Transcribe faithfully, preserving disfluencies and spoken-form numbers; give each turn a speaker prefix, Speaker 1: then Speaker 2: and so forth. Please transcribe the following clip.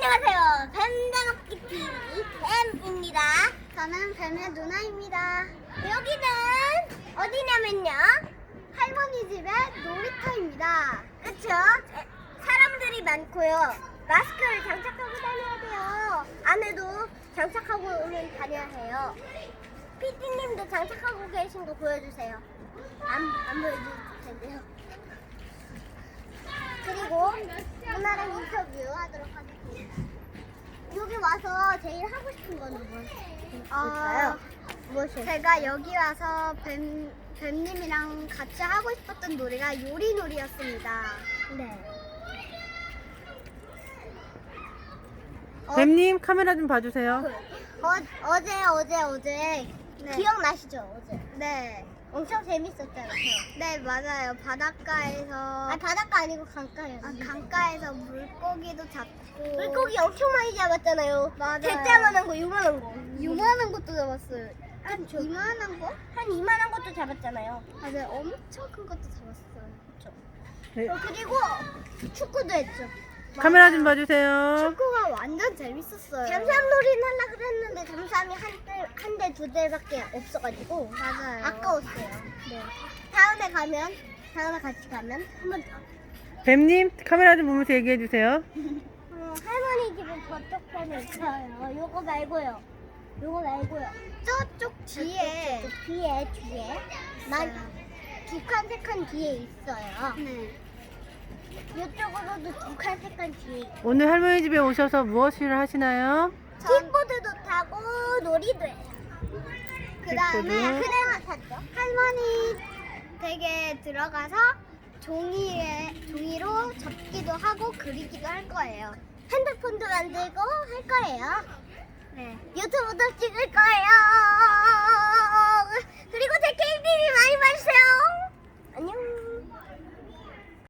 Speaker 1: 안녕하세요. 뱀장갑기 티비 뱀입니다.
Speaker 2: 저는 뱀의 누나입니다.
Speaker 1: 여기는 어디냐면요.
Speaker 2: 할머니 집의 놀이터입니다.
Speaker 1: 그쵸? 사람들이 많고요. 마스크를 장착하고 다녀야 돼요. 안에도 장착하고 오면 다녀야 해요. 피디님도 장착하고 계신 거 보여주세요. 안, 안 보여줄 텐데요. 그리고 누나랑 인터뷰 하도록 하겠습니다. 여기 와서 제일 하고 싶은 건 무엇일까요? 무엇이요?
Speaker 2: 제가 여기 와서 뱀, 뱀님이랑 같이 하고 싶었던 놀이가 요리놀이였습니다.
Speaker 1: 네. 어,
Speaker 3: 뱀님 카메라 좀 봐주세요.
Speaker 1: 어, 어제 어제 어제
Speaker 2: 네.
Speaker 1: 기억나시죠? 어제
Speaker 2: 네.
Speaker 1: 엄청 재밌었잖아요.
Speaker 2: 네, 맞아요. 바닷가에서,
Speaker 1: 아 바닷가 아니고 강가요.
Speaker 2: 아, 강가에서 물고기도 잡고.
Speaker 1: 물고기 엄청 많이 잡았잖아요.
Speaker 2: 맞아요.
Speaker 1: 대짜만한 거, 요만한 거.
Speaker 2: 요만한 것도 잡았어요. 한
Speaker 1: 그쵸.
Speaker 2: 이만한 거?
Speaker 1: 한 이만한 것도 잡았잖아요.
Speaker 2: 맞아요. 엄청 큰 것도 잡았어요.
Speaker 1: 그쵸.
Speaker 3: 네.
Speaker 1: 어, 그리고 축구도 했죠.
Speaker 3: 카메라 좀 봐주세요.
Speaker 2: 축구가 완전 재밌었어요.
Speaker 1: 잠수함놀이는 하려고 그랬는데 잠수함이 한 대, 한 대, 두 대밖에 없어가지고
Speaker 2: 맞아요.
Speaker 1: 아까웠어요.
Speaker 2: 네.
Speaker 1: 다음에 가면, 다음에 같이 가면 한 번 더.
Speaker 3: 뱀님 카메라 좀 보면서 얘기해주세요.
Speaker 1: 어, 할머니 집은 저쪽 편에 있어요. 요거 말고요. 요거 말고요.
Speaker 2: 저쪽 뒤에.
Speaker 1: 저쪽 뒤에, 뒤에. 만, 두 칸, 세 칸 뒤에 있어요.
Speaker 2: 네.
Speaker 1: 이쪽으로도 두 칸, 세 칸 뒤에 있어요.
Speaker 3: 오늘 할머니 집에 오셔서 무엇을 하시나요?
Speaker 1: 킥보드도 타고 놀이도 해요.
Speaker 2: 그 다음에
Speaker 3: 킥보드.
Speaker 1: 그래만 탔죠.
Speaker 2: 할머니 댁에 들어가서 종이에 종이로 접기도 하고 그리기도 할 거예요.
Speaker 1: 핸드폰도 만들고 할 거예요.
Speaker 2: 네.
Speaker 1: 유튜브도 찍을 거예요.